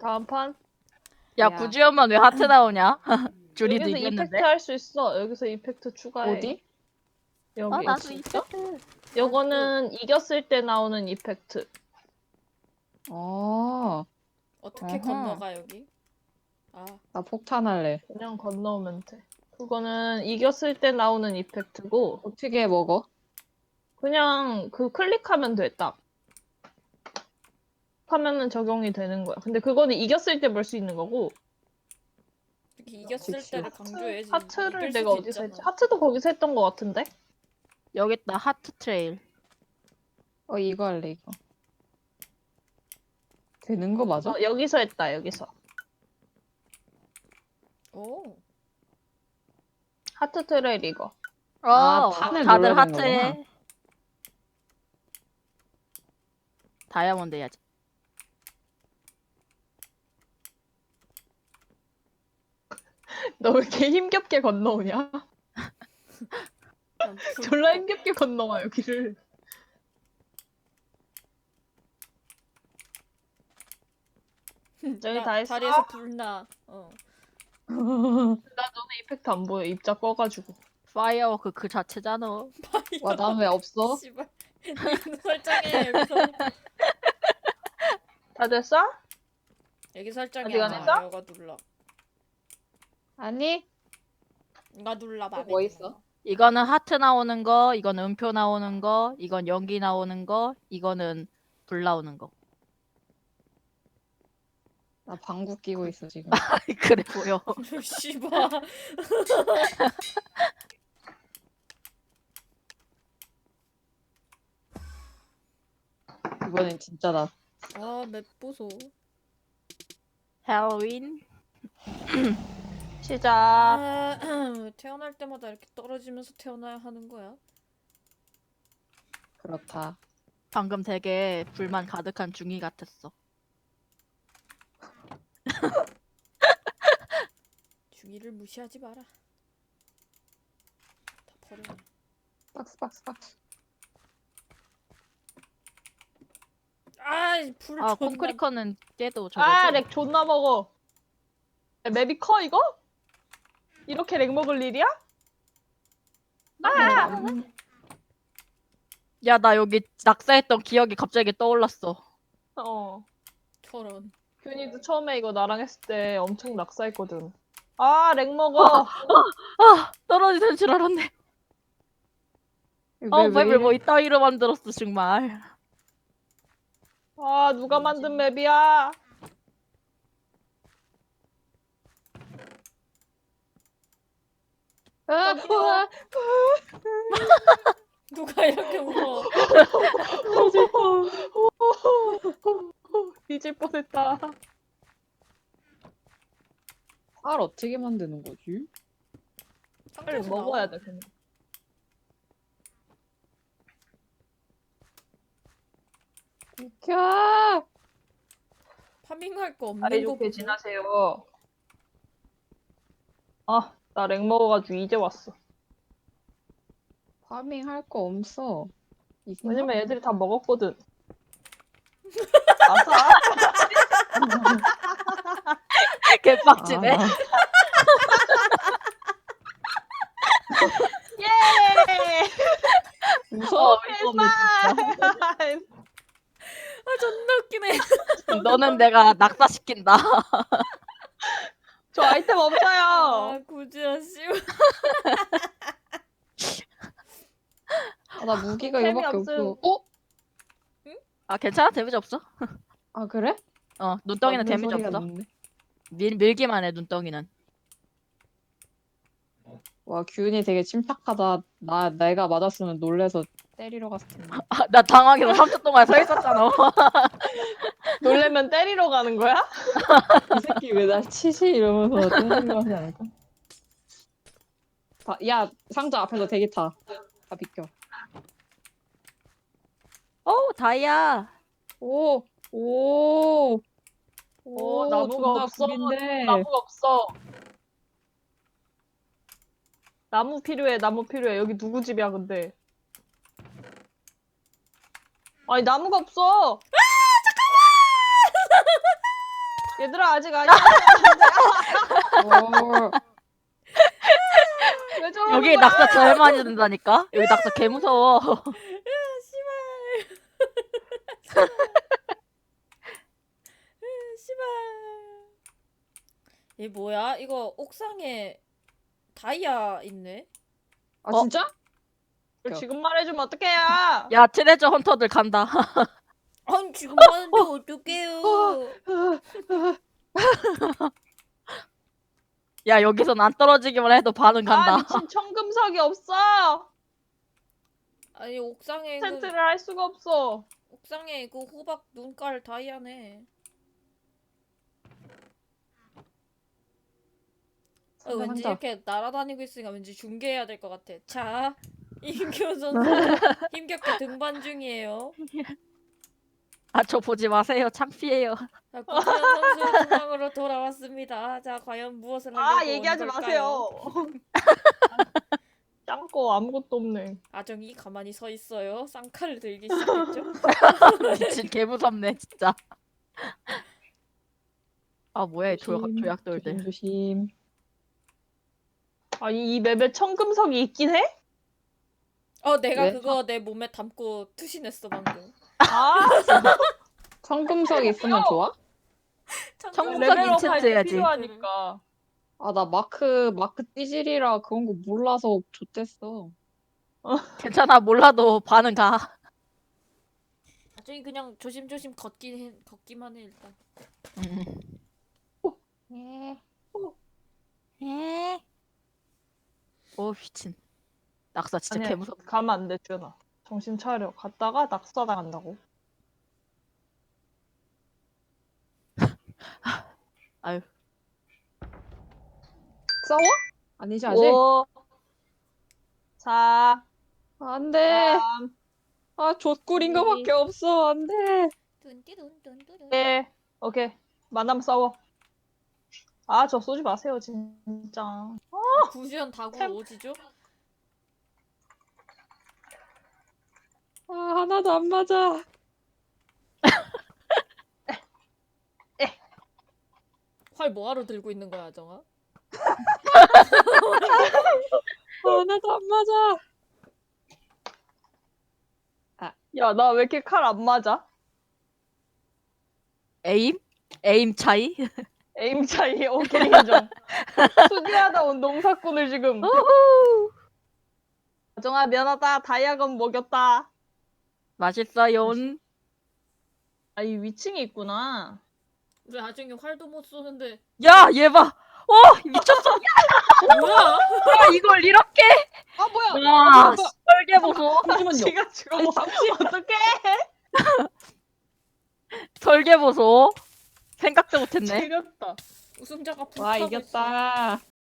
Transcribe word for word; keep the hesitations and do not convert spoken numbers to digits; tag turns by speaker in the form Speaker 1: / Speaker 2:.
Speaker 1: 다음 판?
Speaker 2: 야,
Speaker 3: 야.
Speaker 2: 구지연만 왜 하트 나오냐? 줄이도
Speaker 1: 여기서
Speaker 2: 이겼는데.
Speaker 1: 이펙트 할 수 있어. 여기서 이펙트 추가해.
Speaker 3: 어디?
Speaker 1: 여기.
Speaker 2: 어, 나도
Speaker 3: 진짜?
Speaker 2: 이펙트.
Speaker 1: 요거는 이겼을 때 나오는 이펙트.
Speaker 3: 어,
Speaker 4: 어떻게
Speaker 2: 어허.
Speaker 4: 건너가 여기? 아,
Speaker 3: 나 폭탄할래.
Speaker 1: 그냥 건너오면 돼. 그거는 이겼을 때 나오는 이펙트고,
Speaker 3: 어떻게 먹어?
Speaker 1: 그냥 그 클릭하면 돼, 딱. 하면은 적용이 되는 거야. 근데 그거는 이겼을 때 볼 수 있는 거고,
Speaker 4: 이렇게 이겼을
Speaker 3: 그치.
Speaker 4: 때를 강조해야지.
Speaker 1: 하트를
Speaker 4: 이길
Speaker 1: 내가
Speaker 4: 수도
Speaker 1: 어디서
Speaker 4: 있잖아.
Speaker 1: 했지? 하트도 거기서 했던 거 같은데?
Speaker 2: 여기 있다, 하트 트레일.
Speaker 3: 어, 이거 할래, 이거. 되는 거 맞아?
Speaker 1: 어, 여기서 했다, 여기서.
Speaker 4: 오,
Speaker 1: 하트 트레일 이거.
Speaker 2: 어,
Speaker 3: 아, 판을
Speaker 2: 다들
Speaker 3: 눌러야 되는
Speaker 2: 하트해. 다이아몬드 해야지.
Speaker 1: 너 왜 이렇게 힘겹게 건너오냐?
Speaker 4: 난 불-
Speaker 1: 졸라 힘겹게 건너와, 여기를. 저기
Speaker 4: 나
Speaker 1: 다 했어?
Speaker 4: 다리에서 불나. 어.
Speaker 1: 나 너네 이펙트 안 보여. 입자 꺼가지고.
Speaker 2: 파이어워크 그 자체잖아.
Speaker 3: 와, 난 왜 없어?
Speaker 4: 씨발. 니는 설정해 여기서.
Speaker 1: 다 됐어?
Speaker 4: 여기 설정이
Speaker 1: 어디
Speaker 4: 안
Speaker 1: 가냈어?
Speaker 4: 나와. 이거 눌러.
Speaker 3: 아니,
Speaker 4: 이거 눌러.
Speaker 3: 또
Speaker 4: 맘에
Speaker 3: 뭐
Speaker 4: 드는
Speaker 3: 있어?
Speaker 4: 거.
Speaker 2: 이거는 하트 나오는 거, 이건 음표 나오는 거, 이건 연기 나오는 거, 이거는 불 나오는 거.
Speaker 3: 나 방구 끼고 있어, 지금.
Speaker 2: 그래 보여.
Speaker 4: 씨발.
Speaker 3: 이번엔 진짜다.
Speaker 4: 아, 맵 보소.
Speaker 2: 헬로윈.
Speaker 1: 시작.
Speaker 4: 아, 태어날 때마다 이렇게 떨어지면서 태어나야 하는 거야?
Speaker 3: 그렇다.
Speaker 2: 방금 되게 불만 가득한 중이 같았어.
Speaker 4: 중이를 무시하지 마라. 다 버려.
Speaker 3: 박스, 박스, 박스.
Speaker 4: 아, 불
Speaker 2: 아,
Speaker 4: 존나.
Speaker 2: 콘크리커는 깨도 저거지.
Speaker 1: 아, 렉 존나 먹어. 야, 맵이 커, 이거? 이렇게 렉 먹을 일이야? 아!
Speaker 3: 음,
Speaker 2: 야, 나 여기 낙사했던 기억이 갑자기 떠올랐어.
Speaker 1: 어.
Speaker 4: 저런.
Speaker 1: 균이도 처음에 이거 나랑 했을 때 엄청 낙사했거든. 아, 렉 먹어.
Speaker 2: 아, 떨어지는 줄 알았네.
Speaker 3: 왜,
Speaker 2: 어,
Speaker 3: 왜
Speaker 2: 맵을 뭐
Speaker 3: 이래?
Speaker 2: 이따위로 만들었어, 정말.
Speaker 1: 아, 누가 만든 맵이야?
Speaker 3: 아, 우와.
Speaker 4: 누가 이렇게 울어?
Speaker 3: 터질 뻔.
Speaker 1: 뒤질 뻔했다.
Speaker 3: 쌀 어떻게 만드는 거지?
Speaker 1: 빨리
Speaker 4: 상자에서
Speaker 1: 먹어야
Speaker 4: 나와.
Speaker 1: 돼, 그냥.
Speaker 3: 비켜!
Speaker 4: 파밍할 거 없는
Speaker 1: 다리
Speaker 4: 거
Speaker 1: 좋게
Speaker 4: 보소.
Speaker 1: 지나세요. 아, 나 렉 먹어가지고 이제 왔어.
Speaker 3: 파밍 할 거 없어. 있나?
Speaker 1: 왜냐면 애들이 다 먹었거든. 아싸.
Speaker 2: 개빡치네.
Speaker 3: 아,
Speaker 1: 예!
Speaker 3: 무서워.
Speaker 2: 어이가 없네,
Speaker 4: 아, 존나 웃기네.
Speaker 2: 진짜. 너는 내가 낙사시킨다.
Speaker 1: 저 아이템 없어요.
Speaker 4: 아, 구지야 씨.
Speaker 3: 아, 나 무기가
Speaker 1: 템이
Speaker 3: 이거밖에
Speaker 1: 없음.
Speaker 3: 없어. 어?
Speaker 2: 아, 괜찮아? 데미지 없어?
Speaker 3: 아, 그래?
Speaker 2: 어, 눈덩이는
Speaker 3: 맞는
Speaker 2: 데미지
Speaker 3: 소리가
Speaker 2: 없어.
Speaker 3: 났네.
Speaker 2: 밀, 밀기만 해, 눈덩이는.
Speaker 3: 와, 균이 되게 침착하다. 나, 내가 맞았으면 놀래서 때리러 갔을 텐데.
Speaker 2: 아, 나 당황해서 삼 초 동안 서 있었잖아.
Speaker 1: 놀래면 때리러 가는 거야?
Speaker 3: 이 새끼 왜 날 치지? 이러면서 때리려 하지 않을까? 다, 야, 상자 앞에서 대기 타. 다 비켜.
Speaker 2: 어, 다이아.
Speaker 3: 오! 오!
Speaker 1: 오, 나무가
Speaker 3: 존나
Speaker 1: 없어.
Speaker 3: 구린데.
Speaker 1: 나무가 없어. 나무 필요해, 나무 필요해. 여기 누구 집이야, 근데? 아니, 나무가 없어. 얘들아 아직 아니야.
Speaker 3: 어,
Speaker 1: 왜 저러는
Speaker 2: 여기
Speaker 1: 거야?
Speaker 2: 낙서 제일 많이 든다니까. 여기 낙서 개 무서워.
Speaker 4: 씨발. 씨발. 얘 뭐야? 이거 옥상에 다이아 있네.
Speaker 3: 아
Speaker 2: 어?
Speaker 3: 진짜?
Speaker 1: 이걸 지금 말해주면 어떡해요?
Speaker 2: 야 트레저 헌터들 간다.
Speaker 4: 아니 지금 하는데 어떡해요?
Speaker 2: 야 여기선 안 떨어지기만 해도 반은
Speaker 1: 아
Speaker 2: 간다.
Speaker 1: 미친 청금석이 없어.
Speaker 4: 아니 옥상에 그
Speaker 1: 텐트를 할 수가 없어.
Speaker 4: 옥상에 그 호박 눈깔 다이아네. 어, 왠지
Speaker 3: 한다.
Speaker 4: 이렇게 날아다니고 있으니까 왠지 중계해야 될 것 같아. 자, 임교 선수 힘겹게 등반 중이에요.
Speaker 2: 아 저 보지 마세요. 창피해요.
Speaker 4: 자, 고지현 선수 중앙으로 돌아왔습니다. 자, 과연 무엇을 하려고
Speaker 1: 아
Speaker 4: 온
Speaker 1: 얘기하지
Speaker 4: 걸까요?
Speaker 1: 마세요. 짱거 아무것도 없네.
Speaker 4: 아정이 가만히 서 있어요. 쌍칼을 들기 시작했죠.
Speaker 2: 미친 개 무섭네 진짜. 아 뭐야 이 조약
Speaker 3: 조심,
Speaker 2: 조약돌들.
Speaker 3: 조심 조심.
Speaker 1: 아니 이 맵에 청금석이 있긴 해?
Speaker 4: 어, 내가
Speaker 3: 왜?
Speaker 4: 그거 내 몸에 담고 투신했어 방금.
Speaker 1: 아
Speaker 3: 성금석 있으면 좋아?
Speaker 2: 청금석
Speaker 1: 레벨업
Speaker 2: 인챈트
Speaker 1: 할때
Speaker 2: 해야지.
Speaker 1: 필요하니까.
Speaker 3: 아 나 마크 마크 띠질이라 그런 거 몰라서 좋댔어.
Speaker 2: 괜찮아 몰라도 반은 가.
Speaker 4: 아정이 그냥 조심조심 걷긴 해, 걷기만 해 일단.
Speaker 2: 음.
Speaker 3: 예.
Speaker 2: 에? 오 미친. 낙서 진짜
Speaker 1: 아니야
Speaker 2: 개 무섭.
Speaker 1: 가면 안 돼 주연아. 정신 차려. 갔다가 낙서당한다고.
Speaker 2: 아유.
Speaker 3: 싸워? 아니지 아직?
Speaker 1: 오. 사.
Speaker 3: 안돼.
Speaker 1: 삼.
Speaker 3: 아 족구린 거밖에 없어. 안돼.
Speaker 4: 뚠띠뚠뚠뚠.
Speaker 1: 일. 오케이. 만나면 싸워. 아 저 쏘지 마세요 진짜.
Speaker 4: 구시현 다구
Speaker 1: 템-
Speaker 4: 오지죠?
Speaker 3: 아 하나도 안 맞아.
Speaker 4: 활 뭐하러 들고 있는 거야 아정아?
Speaker 3: 아, 하나도 안 맞아.
Speaker 1: 야 나 왜 이렇게 칼 안 맞아?
Speaker 2: 에임? 에임 차이?
Speaker 1: 에임 차이 오케이 인정. 수비하다 온 농사꾼을 지금.
Speaker 2: 우후.
Speaker 1: 아정아 미안하다. 다이아건 먹였다.
Speaker 2: 맛있어요.
Speaker 1: 아 이 위층이 있구나.
Speaker 4: 우리 아정이 활도 못 쏘는데
Speaker 2: 야 얘 봐. 어 미쳤어.
Speaker 4: 뭐야?
Speaker 2: 야 이걸 이렇게?
Speaker 3: 아 뭐야?
Speaker 2: 와
Speaker 3: 아, 뭐야?
Speaker 2: 설계 보소.
Speaker 3: 잠시만요.
Speaker 1: 지가 죽어.
Speaker 3: 아니, 잠시.
Speaker 1: 어떡해?
Speaker 2: 설계 보소. 생각도 못했네.
Speaker 1: 지렸다.
Speaker 4: 우승자가
Speaker 3: 와
Speaker 4: 불타고 있어.
Speaker 3: 이겼다.